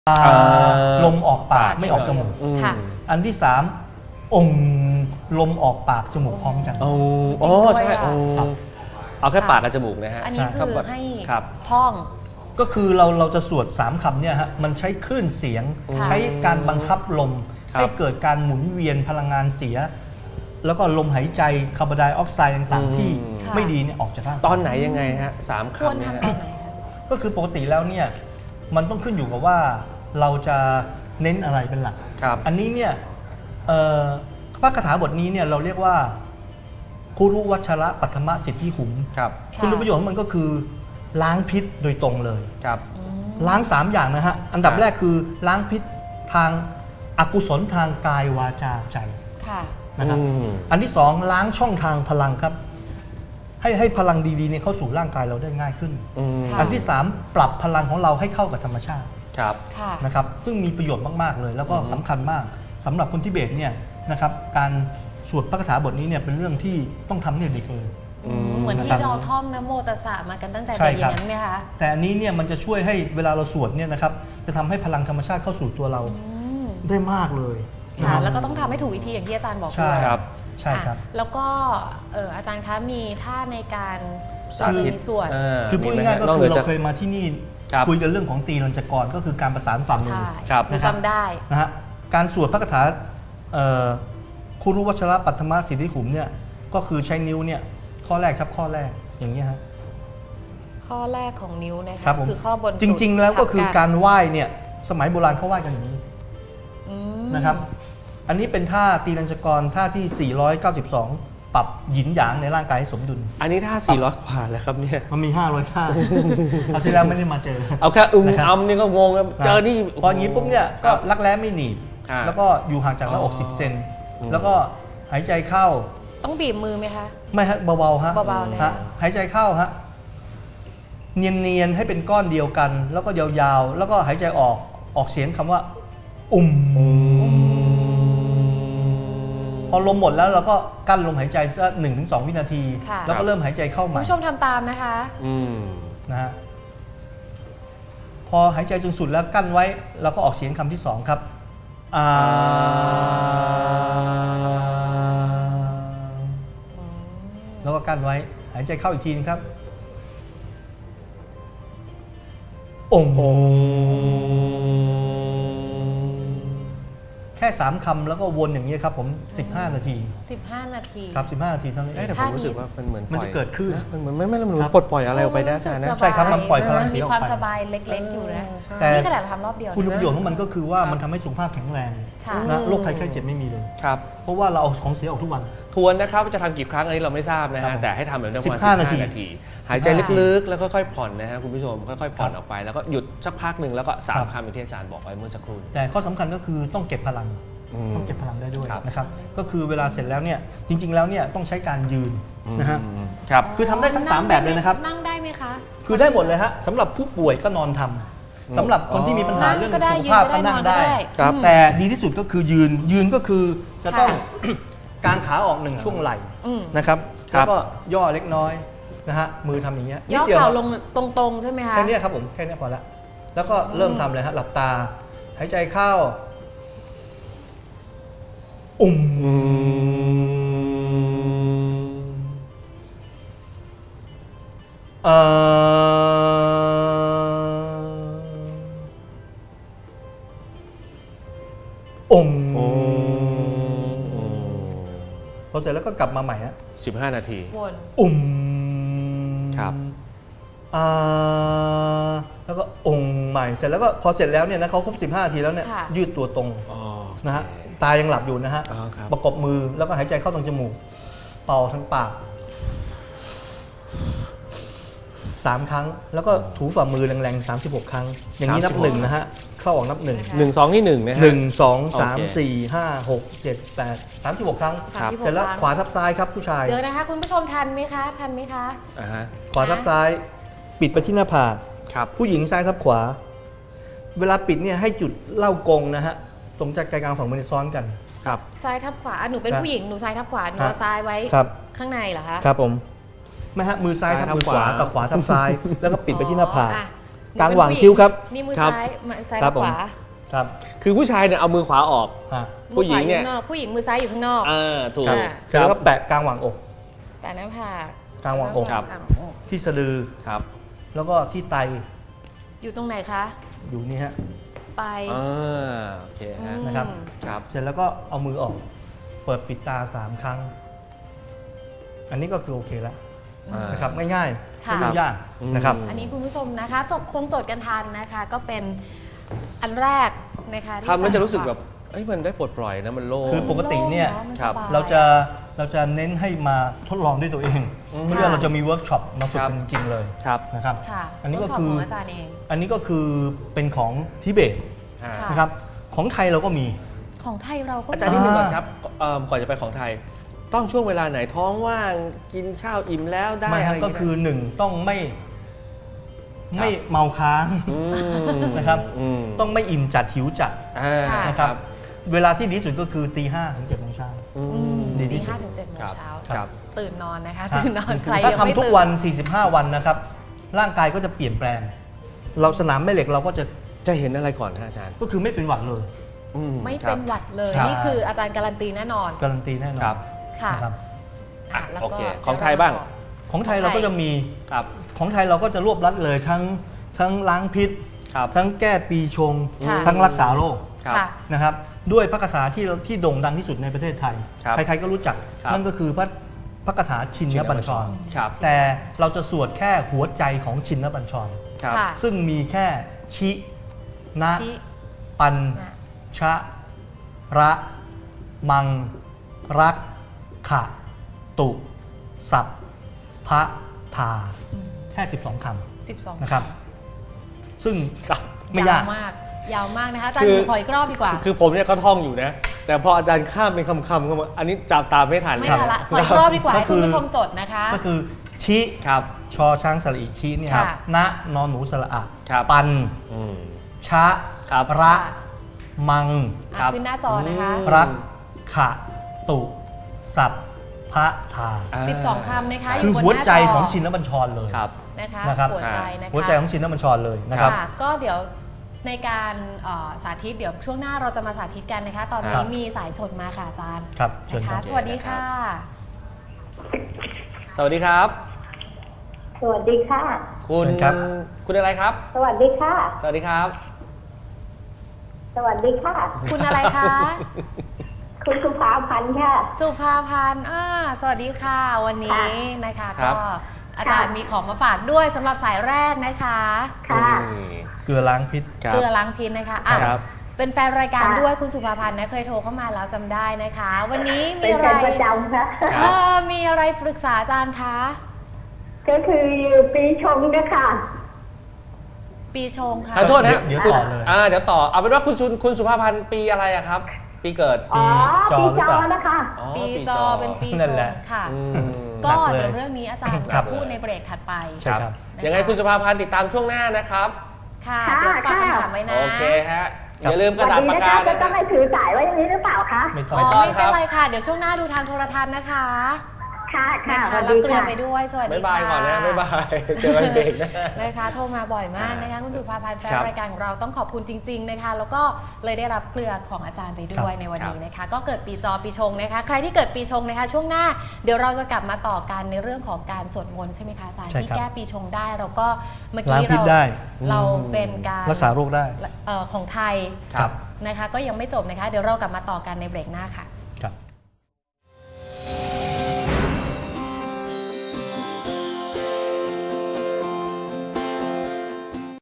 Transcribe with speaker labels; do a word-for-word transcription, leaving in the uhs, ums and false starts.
Speaker 1: ลมออกปากไม่ออกจมูกอันที่สามองค์ลมออกปากจมูกพร้อมกัน
Speaker 2: โอ้โอ้ใช่เอาแค่ปากกับจมูกนะฮะ
Speaker 3: อันนี้คือให้ท่อง
Speaker 1: ก็คือเราเราจะสวดสามคำเนี่ยฮะมันใช้คลื่นเสียงใช้การบังคับลมให้เกิดการหมุนเวียนพลังงานเสียแล้วก็ลมหายใจคาร์บอนไดออกไซด์ต่างๆที่ไม่ดีเนี่ยออกจากร่าง
Speaker 2: ตอนไหนยังไงฮะสามคำ
Speaker 3: เนี่ย
Speaker 1: ก็คือปกติแล้วเนี่ยมันต้องขึ้นอยู่กับว่าเราจะเน้นอะไรเป็นหลักอันนี้เนี่ยพระคาถาบทนี้เนี่ยเราเรียกว่าคุรุวัชระปัทมสิทธิหุมคุณประโยชน์ของมันก็คือล้างพิษโดยตรงเลยล้างสามอย่างนะฮะอันดับแรกคือล้างพิษทางอกุศลทางกายวาจาใจนะครับอันที่สองล้างช่องทางพลังครับให้ให้พลังดีๆเนี่ยเข้าสู่ร่างกายเราได้ง่ายขึ้นอันที่สามปรับพลังของเราให้เข้ากับธรรมชาตินะครับซึ่งมีประโยชน์มากๆเลยแล้วก็สำคัญมากสำหรับคนทิเบตเนี่ยนะครับการสวดพระคาถาบทนี้เนี่ยเป็นเรื่องที่ต้องทำเนี่ยเด็กเลย
Speaker 3: เหมือนที่เราท่องนะโมตัสสะมากันตั้งแต่เด็กอย่างนั้นไหมคะ
Speaker 1: แต่อันนี้เนี่ยมันจะช่วยให้เวลาเราสวดเนี่ยนะครับจะทำให้พลังธรรมชาติเข้าสู่ตัวเราได้มากเลย
Speaker 3: ค่ะแล้วก็ต้องทำให้ถูกวิธีอย่างที่อาจารย์บอกด้วย
Speaker 1: ครับใช่ครับ
Speaker 3: แล้วก็อาจารย์คะมีท่าในการเราจะมีสวด
Speaker 1: คือพูดง่ายๆก็คือเราเคยมาที่นี่คุยกันเรื่องของตีรัญจกรก็คือการประสานฝ่ามือ
Speaker 3: จำได้
Speaker 1: นะฮะการสวดพระคาถาคุรุวัชระปัทมสิทธิขุมเนี่ยก็คือใช้นิ้วเนี่ยข้อแรกครับข้อแรกอย่างนี้ฮะ
Speaker 3: ข้อแรกของนิ้วนะคะคือข้อบน
Speaker 1: จริงๆแล้วก็คือการไหว้เนี่ยสมัยโบราณเขาไหว้กันอย่างนี้นะครับอันนี้เป็นท่าตีรัญจกรท่าที่สี่ร้อยเก้าสิบสองปรับหยินหยางในร่างกายให้สมดุล
Speaker 2: อันนี้ท่าสี่ร้อยกว่าแล้วครับเนี่ย
Speaker 1: มันมีห้าร้อยท่าคราวที่แล้วไม่ได้มาเจอ
Speaker 2: เอาแค่อึ้งอ้ำนี่ก็งงแล้วเจอนี่
Speaker 1: พออย่างนี้ปุ๊บเนี่ยก็รักแร้ไม่หนีบแล้วก็อยู่ห่างจากหน้าอกสิบเซนแล้วก็หายใจเข้า
Speaker 3: ต้องบีบมือไหมคะ
Speaker 1: ไม่ฮะเบาๆฮะ
Speaker 3: เบาๆนะ
Speaker 1: ฮะหายใจเข้าฮะเนียนๆให้เป็นก้อนเดียวกันแล้วก็ยาวๆแล้วก็หายใจออกออกเสียงคำว่าอุ่มพอลมหมดแล้วเราก็กั้นลมหายใจสักหนึ่งถึงสองวินาทีแล้วก็เริ่มหายใจเข้าใหม่
Speaker 3: คุณผู้ชมทำตามนะคะ
Speaker 1: นะฮะพอหายใจจนสุดแล้วกั้นไว้แล้วก็ออกเสียงคำที่สองครับอ่าแล้วก็กั้นไว้หายใจเข้าอีกทีนึงครับองค์แค่สามคำแล้วก็วนอย่างนี้ครับผมสิบห้านาที
Speaker 3: สิบห้านาที
Speaker 1: ครับสิบห้านาทีเท่านี้
Speaker 2: แต่ผมรู้สึกว่ามันเหมือน
Speaker 1: มันจะเกิดขึ้น
Speaker 2: มันเหมือนไม่ไม่มันเหมือนปลดปล่อยอะไรออกไปนะอาจารย์นะ
Speaker 1: ใช่ครับมันปล่อยพลังเสียออกไป
Speaker 3: มีความสบายเล็กๆอยู่นะแต่นี่ขนาดทำรอบเดียว
Speaker 1: คุณประโยชน์ของมันก็คือว่ามันทำให้สุขภาพแข็งแรงนะโรคภัยไข้เจ็บไม่มีเลย
Speaker 2: ครับ
Speaker 1: เพราะว่าเราเอาของเสียออกทุกวัน
Speaker 2: ทวนนะครับจะทำกี่ครั้งอันนี้เราไม่ทราบนะฮะแต่ให้ทำแบบนี้ประมาณสิบห้านาทีหายใจลึกๆแล้วก็ค่อยผ่อนนะฮะคุณผู้ชมค่อยๆผ่อนออกไปแล้วก็หยุดสักพักหนึ่งแล้วก็สามคำอย่างที่อาจารย์บอกไว้เมื่อสักครู่
Speaker 1: แต่ข้อสำคัญก็คือต้องเก็บพลังต้องเก็บพลังได้ด้วยนะครับก็คือเวลาเสร็จแล้วเนี่ยจริงๆแล้วเนี่ยต้องใช้การยืนนะฮะ
Speaker 2: ครับ
Speaker 1: คือทำได้ทั้งสามแบบเลยนะครับ
Speaker 3: นั่งได้ไหมคะ
Speaker 1: คือได้หมดเลยฮะสำหรับผู้ป่วยก็นอนทำสำหรับคนที่มีปัญหาเรื่องสุขภาพก็นั่งได้แต่ดีที่สุดก็คือยืนยืนก็คือจะต้องกางขาออกหนึ่งช่วงไหล่นะครับแล้วก็ย่อเล็กน้อยนะฮะมือทำอย่างเงี้ย
Speaker 3: ย่อเข่าลงตรงๆใช่ไหมคะ
Speaker 1: แค่นี้ครับผมแค่นี้พอละแล้วก็เริ่มทำเลยฮะหลับตาหายใจเข้าอุ่มเอ่ออุ่มพอเสร็จแล้วก็กลับมาใหม่ฮะ
Speaker 2: สิบห้านาที
Speaker 1: อุ่ม
Speaker 2: ครับ
Speaker 1: อ่าแล้วก็องค์ใหม่เสร็จแล้วก็พอเสร็จแล้วเนี่ยนะเขาครบสิบห้านาทีแล้วเนี่ยยืดตัวตรงนะฮะตายังหลับอยู่นะฮะประกบมือแล้วก็หายใจเข้าตรงจมูกเป่าทางปากสามครั้งแล้วก็ถูฝ่ามือแรงๆสามสิบหกครั้งอย่างนี้นับหนึ่งนะฮะเข้าออกนับหนึ่ง
Speaker 2: หนึ่งสองที่หนึ่งนะฮะ
Speaker 1: หนึ่งสองสามสี่ห้าหกเจ็ดแปดสามสิบหกครั้งเสร็จแล้วขวาทับซ้ายครับผู้ชาย
Speaker 3: เดี๋ยวนะคะคุณผู้ชมทันไหมคะทันไหมคะ
Speaker 1: ขวาทับซ้ายปิดไปที่หน้าผากผู้หญิงซ้ายทับขวาเวลาปิดเนี่ยให้จุดเล่ากงนะฮะตรงจากกลางฝั่งมือซ้อนกัน
Speaker 2: ครับ
Speaker 3: ซ้ายทับขวาหนูเป็นผู้หญิงหนูซ้ายทับขวาหนูเอาซ้ายไว้ข้างในเหรอคะ
Speaker 1: ครับผมไม่ฮะมือซ้ายทับมือขวากับขวาทับซ้ายแล้วก็ปิดไปที่หน้าผากกลางหว่างคิ้วครับ
Speaker 3: นี่มือ
Speaker 2: ครับ
Speaker 3: ซ้ายมือซ้าย
Speaker 1: ครับ
Speaker 3: ขวา
Speaker 1: ครับ
Speaker 2: คือผู้ชายเนี่ยเอามือขวาออก
Speaker 1: อ่ะ
Speaker 2: ผู้หญิงเนี่ย
Speaker 3: มือขวาอข้างนอกผู้หญิงมือซ้ายอยู่ข้างนอก
Speaker 2: อ่าถูก
Speaker 1: ครับ
Speaker 3: อ่า
Speaker 1: เสร็จแล้วก็แปะกลางหว่างอก
Speaker 3: แปะหน้าผาก
Speaker 1: กลางหว่างอก
Speaker 2: ครับ
Speaker 3: กลางอก
Speaker 1: ที่สะดือ
Speaker 2: ครับ
Speaker 1: แล้วก็ที่ไต
Speaker 3: อยู่ตรงไหนคะ
Speaker 1: อยู่นี่ฮะ
Speaker 3: ไต
Speaker 2: อ่าโอเคฮะ
Speaker 3: อืม
Speaker 1: นะครับ
Speaker 2: ครับ
Speaker 1: เสร็จแล้วก็เอามือออก เปิดปิดตาสามครั้ง อันนี้ก็คือโอเคแล้ว
Speaker 2: อ่า
Speaker 1: นะครับง่ายๆ
Speaker 3: ค่ะ
Speaker 1: ไม่ยุ่งยากนะครับ
Speaker 2: อืม
Speaker 3: อันนี้คุณผู้ชมนะคะจบคงจดกันทันนะคะ ก็เป็นอันแรกนะคะที่
Speaker 2: ทำแล้วจะรู้สึกแบบเอ้ยมันได้ปลดปล่อยนะมันโล่ง
Speaker 1: คือปกติเนี่ย
Speaker 3: โล่งอะมัน
Speaker 2: ครับ
Speaker 3: สบย
Speaker 1: เราจะเราจะเน้นให้มาทดลองด้วยตัวเอง
Speaker 2: อืม
Speaker 1: เพื่อเราจะมีเวิร์กช็อปมาฝึก
Speaker 2: ครับ
Speaker 1: กันจริงๆเลย
Speaker 2: ครับ
Speaker 1: นะครับ
Speaker 3: ค่ะ
Speaker 1: อันนี้ก็
Speaker 3: เวิร์ช็ป
Speaker 1: คือ
Speaker 3: ของอาจารย์เอง
Speaker 1: อันนี้ก็คือเป็นของทิเบต
Speaker 2: อ่า
Speaker 3: ค่ะ
Speaker 1: นะครับ ของไทยเราก็มี
Speaker 3: ของไทยเราก็
Speaker 2: อาจารย์นิดนึงก่อนครับเอิ่มก่อนจะไปของไทย ต้องช่วงเวลาไหนท้องว่างกินข้าวอิ่มแล้วได้
Speaker 1: ไม่
Speaker 2: อะ
Speaker 1: ฮะ
Speaker 2: ไรย่าง
Speaker 1: ก็
Speaker 2: เงี้ย
Speaker 1: คือหนึ่งต้องไม่ไม่เมาค้าง
Speaker 2: อืม
Speaker 1: นะครับ
Speaker 2: ม
Speaker 1: ต้องไม่อิ่มจัดหิวจัด
Speaker 2: อ่า
Speaker 3: ค่ะ
Speaker 1: นะครับ เวลาที่ดีที่สุดก็คือตีห้าถึงเจ็ดโมงเช้า
Speaker 2: อื
Speaker 3: อืม
Speaker 2: ม
Speaker 1: ดีที่
Speaker 3: ตี
Speaker 1: สุด
Speaker 3: ห้าถึงเจ็ดโมง
Speaker 2: ครับ
Speaker 3: เช้า
Speaker 2: ครับ
Speaker 3: ตื่นนอนนะคะ ตื่นนอนใคร
Speaker 1: ถ้า
Speaker 3: ยังไม่
Speaker 1: ทำทุก
Speaker 3: ตื่น
Speaker 1: วัน สี่สิบห้า วันนะครับ ร่างกายก็จะเปลี่ยนแปลง เราสนามแม่เหล็กเราก็จะ
Speaker 2: จะเห็นอะไรก่อนฮะอาจารย์
Speaker 1: ก็คือไม่เป็นหวัดเลย
Speaker 2: อื
Speaker 3: ไม่
Speaker 2: ครั
Speaker 3: เป็
Speaker 2: บ
Speaker 3: นหวัดเลย
Speaker 1: ใช่
Speaker 3: นี่คืออาจารย์การันตีแน่นอน
Speaker 1: การันตีแน่นอน
Speaker 2: ครับ
Speaker 3: ค่ะ
Speaker 1: นะครับ
Speaker 3: อ่ะแล้ว
Speaker 2: โอ
Speaker 3: ก็
Speaker 2: เค
Speaker 3: ดี๋ว
Speaker 2: ของไทยบ้าง
Speaker 3: เรมต่อ
Speaker 1: ของไทยเราก็จะมี
Speaker 2: ครับ
Speaker 1: ของไทยเราก็จะรวบรัดเลยทั้งทั้งล้างพิษ
Speaker 2: ครับ
Speaker 1: ทั้งแก้ปีชง
Speaker 3: ค่ะ
Speaker 1: ทั้งรักษาโรค
Speaker 2: ครับ
Speaker 3: ค่ะ
Speaker 1: นะครับ ด้วยพระคาถาที่เราที่โด่งดังที่สุดในประเทศไทย
Speaker 2: ครับ
Speaker 1: ใครๆก็รู้จัก
Speaker 2: ครับ
Speaker 1: นั่นก็คือพระพระคาถาชินนบัญชร
Speaker 2: ครับ
Speaker 1: แต่เราจะสวดแค่หัวใจของชินนบัญชร
Speaker 2: ครับ
Speaker 3: ค่ะ
Speaker 1: ซึ่งมีแค่ชินะ
Speaker 3: ชิ
Speaker 1: ปัน
Speaker 3: นะ
Speaker 1: ชะ ระ มัง รัก ขะ ตุ สัพ พะ ทา
Speaker 3: อืม
Speaker 1: แค่ สิบสอง ค
Speaker 3: สิบสอง
Speaker 1: ำนะครับ ซึ่ง
Speaker 2: ครับ
Speaker 1: ไม่ยาก
Speaker 3: วมาก ยาวมากนะคะอาจารย์
Speaker 2: คือ
Speaker 3: หนูขออีกรอบดีกว่า
Speaker 2: คือผมเนี่ยก็ท่องอยู่นะ แต่พออาจารย์ข้ามเป็นคำๆเข้ามาอันนี้จับตามไม่ทัน
Speaker 3: ไม่
Speaker 2: ครับ
Speaker 3: ทันละขออีกรอบดีกว่า
Speaker 1: ก็
Speaker 3: ให้
Speaker 1: คือ
Speaker 3: คุณผู้ชมจดนะคะ
Speaker 1: ก็คือ ชิ
Speaker 2: ครับ
Speaker 1: ชอช้างสระอิชิเนี่ย
Speaker 3: ค่ะ
Speaker 1: ณนอนหนูสระอะ
Speaker 2: ครับ
Speaker 1: ปัน
Speaker 2: อืม
Speaker 1: ชะ
Speaker 2: ครับ
Speaker 1: ระ มัง
Speaker 3: อ่ะ
Speaker 2: ครับ
Speaker 3: ขึ้นหน้าจอนะคะ
Speaker 2: อืม
Speaker 1: รัก ขะ ตุ สัพ พะ ทา
Speaker 2: า
Speaker 3: สิบสองคำนะคะ
Speaker 1: คือ
Speaker 3: อยู่บน
Speaker 1: หัว
Speaker 3: หน้า
Speaker 1: ใจ
Speaker 3: จ
Speaker 1: ของชินบัญชรเลย
Speaker 2: ครับ
Speaker 3: นะคะ
Speaker 1: นะครับ
Speaker 3: หัวใจนะคะ
Speaker 1: หัวใจของชินบัญชรเลยนะครับ
Speaker 3: ค่ะก็เดี๋ยวในการเอ่อสาธิตเดี๋ยวช่วงหน้าเราจะมาสาธิตกันนะคะ ตอน
Speaker 1: ครั
Speaker 3: นี้
Speaker 1: บ
Speaker 3: มีสายสดมาค่ะอาจารย์
Speaker 1: ครับเชิญ
Speaker 3: นะ
Speaker 1: ครั
Speaker 3: คะ
Speaker 1: บ
Speaker 3: สวัสดีค่ะ
Speaker 2: สวัสดีครับ
Speaker 4: สวัสดีค่ะ
Speaker 2: คุณ
Speaker 1: เชิญครับ
Speaker 2: คุณอะไรครับ
Speaker 4: สวัสดีค่ะ
Speaker 2: สวัสดีครับ
Speaker 4: สวัสดีค่ะ
Speaker 3: คุณอะไรคะ
Speaker 4: คุณสุภาพันธ์ค่ะ
Speaker 3: สุภาพันธ์อ่าสวัสดีค่ะ วันนี้นะคะ
Speaker 2: ครั
Speaker 3: ก็
Speaker 2: บ
Speaker 3: อาจารย์มีของมาฝากด้วยสำหรับสายแรกนะคะ
Speaker 4: ค่ะ
Speaker 2: นี่
Speaker 1: เกลือล้างพิษ
Speaker 2: ครับ
Speaker 3: เกลือล้างพิษนะคะอ่ะ
Speaker 2: ครับ
Speaker 3: เป็นแฟนรายการ
Speaker 4: ค่ะ
Speaker 3: ด้วยคุณสุภาพันธ์นะเคยโทรเข้ามาแล้วจำได้นะคะ วันนี้มี
Speaker 4: เป็น
Speaker 3: อะไร
Speaker 4: แฟนประจำค่ะ
Speaker 3: เออมีอะไรปรึกษาอาจารย์คะ
Speaker 4: ก็คือปีชงนะคะ
Speaker 3: ปีชงค่ะ
Speaker 2: ขอโทษนะ
Speaker 1: เดี๋ยว
Speaker 2: คุณ
Speaker 1: ต่อเลย
Speaker 2: อ่าเดี๋ยวต่อเอาเป็นว่าคุณสุคุณสุภาพันธ์ปีอะไรอะครับ ปีเกิด
Speaker 4: อ๋อ
Speaker 1: จอ
Speaker 4: ปี
Speaker 1: หรือ
Speaker 4: จ
Speaker 1: เป
Speaker 4: อ
Speaker 1: ล่า
Speaker 4: นะคะ
Speaker 2: อ๋อ
Speaker 3: ปีจอเป็นปี
Speaker 1: นั่
Speaker 3: ช
Speaker 1: น
Speaker 3: ง
Speaker 1: แหละ
Speaker 3: ค่ะ
Speaker 2: อืม
Speaker 3: ก็
Speaker 1: หนักเลย
Speaker 3: เดี๋ยวเรื่องนี้อาจารย์
Speaker 1: ครั
Speaker 3: จะ
Speaker 1: บ
Speaker 3: พูดในเบรกถัดไป
Speaker 1: ใช่ครับ
Speaker 3: นะคะ
Speaker 2: ยังไงคุณสุภาพันธ์ติดตามช่วงหน้านะครับ
Speaker 3: ค่ะ
Speaker 4: ค่ะ
Speaker 3: เดี๋ยวฝาก
Speaker 4: ค่ะ
Speaker 3: คำถามไว้นะ
Speaker 2: โอเคฮะ
Speaker 1: ครับ
Speaker 2: อย่าลืมกระดาษ
Speaker 4: วัน
Speaker 2: ปาก
Speaker 4: นี้
Speaker 2: กา
Speaker 4: นะคะจะ
Speaker 2: นะ
Speaker 4: ต้อง
Speaker 2: ฮะ
Speaker 4: ให้ถือสายไว้อย่างนี้หรือเปล่าคะ
Speaker 1: ไม่ต้
Speaker 3: อ๋
Speaker 1: อง
Speaker 3: อ
Speaker 2: ต้อง
Speaker 3: ไม่
Speaker 2: ครั
Speaker 3: เป็น
Speaker 2: บ
Speaker 3: ไรค่ะ เดี๋ยวช่วงหน้าดูทางโทรทัศน์นะคะ
Speaker 4: ค่ะค่ะ
Speaker 3: นะคะ
Speaker 4: สวัส
Speaker 3: รับ
Speaker 4: ดี
Speaker 3: เกลือ
Speaker 4: ค่ะ
Speaker 3: ไปด้วยสวัสดี
Speaker 2: บ๊าย
Speaker 3: ค่ะ
Speaker 2: บายก่อนนะบ๊ายบาย เจอกันเบรกนะ
Speaker 3: นะคะโทรมาบ่อยมากนะคะคุณสุภาพันธ์แฟน
Speaker 2: ครับ
Speaker 3: รายการของเราต้องขอบคุณจริง ๆนะคะ แล้วก็เลยได้รับเกลือของอาจารย์ไปด้วย
Speaker 1: ครับ
Speaker 3: ในวันนี้นะคะ ก็เกิดปีจอปีชงนะคะ ใครที่เกิดปีชงนะคะ ช่วงหน้าเดี๋ยวเราจะกลับมาต่อกันในเรื่องของการสวดมนต์ใช่ไหมคะอาจารย์
Speaker 1: ใช่
Speaker 3: ที่
Speaker 1: ครับ
Speaker 3: แก้ปีชงได้เราก็เมื่อ
Speaker 1: ล้าง
Speaker 3: กี้
Speaker 1: พิษ
Speaker 3: เรา
Speaker 1: ได้
Speaker 3: เราเป็นการ
Speaker 1: รักษาโรคได้
Speaker 3: เอ่อของไทย
Speaker 2: ครับ
Speaker 3: นะคะ ก็ยังไม่จบนะคะ เดี๋ยวเรากลับมาต่อกันในเบรกหน้าค่ะ